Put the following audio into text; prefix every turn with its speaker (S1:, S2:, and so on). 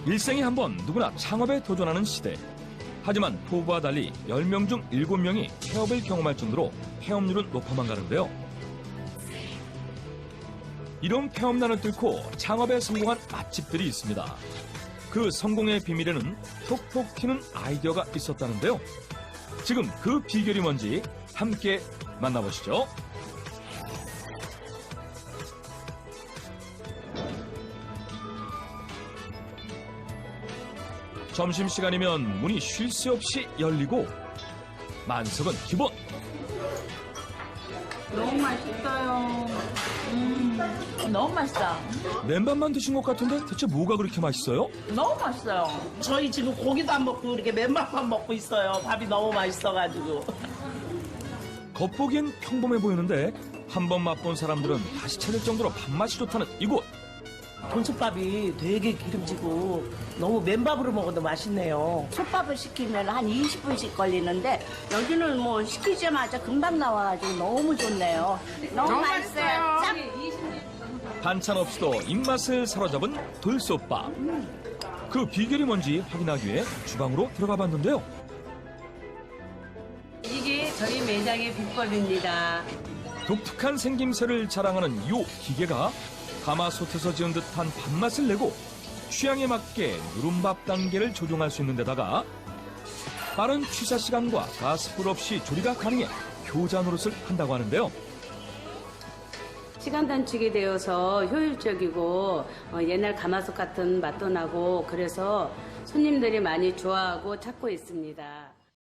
S1: 일생에 한 번 누구나 창업에 도전하는 시대. 하지만 포부와 달리 10명 중 7명이 폐업을 경험할 정도로 폐업률은 높아만 가는데요. 이런 폐업난을 뚫고 창업에 성공한 맛집들이 있습니다. 그 성공의 비밀에는 톡톡 튀는 아이디어가 있었다는데요. 지금 그 비결이 뭔지 함께 만나보시죠. 점심시간이면 문이 쉴 새 없이 열리고 만석은 기본.
S2: 너무 맛있어요. 너무 맛있다.
S1: 맨밥만 드신 것 같은데 대체 뭐가 그렇게 맛있어요?
S2: 너무 맛있어요.
S3: 저희 지금 고기도 안 먹고 이렇게 맨밥만 먹고 있어요. 밥이 너무 맛있어가지고.
S1: 겉보기엔 평범해 보이는데 한 번 맛본 사람들은 다시 찾을 정도로 밥맛이 좋다는 이곳.
S3: 돈솥밥이 되게 기름지고 너무 맨밥으로 먹어도 맛있네요.
S4: 솥밥을 시키면 한 20분씩 걸리는데 여기는 뭐 시키자마자 금방 나와가지고 너무 좋네요. 너무 맛있어요. 딱
S1: 반찬 없이도 입맛을 사로잡은 돌솥밥. 그 비결이 뭔지 확인하기 위해 주방으로 들어가 봤는데요.
S5: 이게 저희 매장의 비법입니다.
S1: 독특한 생김새를 자랑하는 이 기계가 가마솥에서 지은 듯한 밥맛을 내고 취향에 맞게 누른밥 단계를 조정할 수 있는 데다가 빠른 취사 시간과 가스불 없이 조리가 가능해 효자 노릇을 한다고 하는데요.
S5: 시간 단축이 되어서 효율적이고 옛날 가마솥 같은 맛도 나고 그래서 손님들이 많이 좋아하고 찾고 있습니다.